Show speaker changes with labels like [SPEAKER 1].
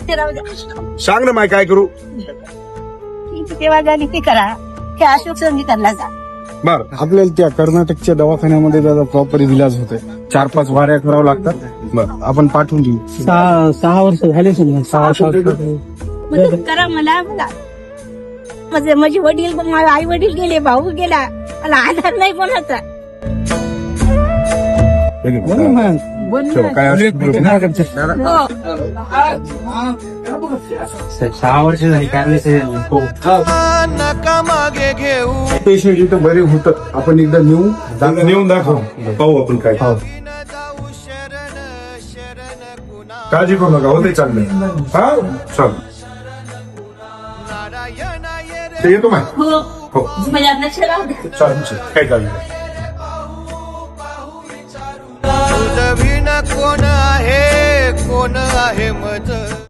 [SPEAKER 1] ते राहू द्या.
[SPEAKER 2] सांग ना माय काय करू.
[SPEAKER 1] ती सेवा झाली ती करा. ते अशोक संगीताला जा.
[SPEAKER 2] बर
[SPEAKER 3] आपल्याला त्या कर्नाटकच्या दवाखान्यामध्ये त्याचा प्रॉपर इलाज होतोय. 4-5 वाऱ्या करावं लागतात.
[SPEAKER 2] बर
[SPEAKER 3] आपण पाठवून देऊ.
[SPEAKER 4] 6 वर्ष झाले समजा 6-7
[SPEAKER 1] मदत करा मला. माझे वडील माझे आई वडील गेले, भाऊ गेला, मला आधार नाही कोणाचा.
[SPEAKER 2] ठेव, काय असेल ते बोलू.
[SPEAKER 1] हो.
[SPEAKER 4] 6 वर्ष झाली काय हो.
[SPEAKER 3] पेशंट इथं बरे होतं. आपण एकदा
[SPEAKER 2] नेऊन दाखव, पाहू आपण काय. काळजी करू नका, होते चांगलं. हा चल ते येतो माय.
[SPEAKER 1] हो.
[SPEAKER 2] हो
[SPEAKER 1] माझ्या लक्ष राहू द्या.
[SPEAKER 2] चालेल, काय काळजी नाही.
[SPEAKER 5] कोण आहे कोण आहे मज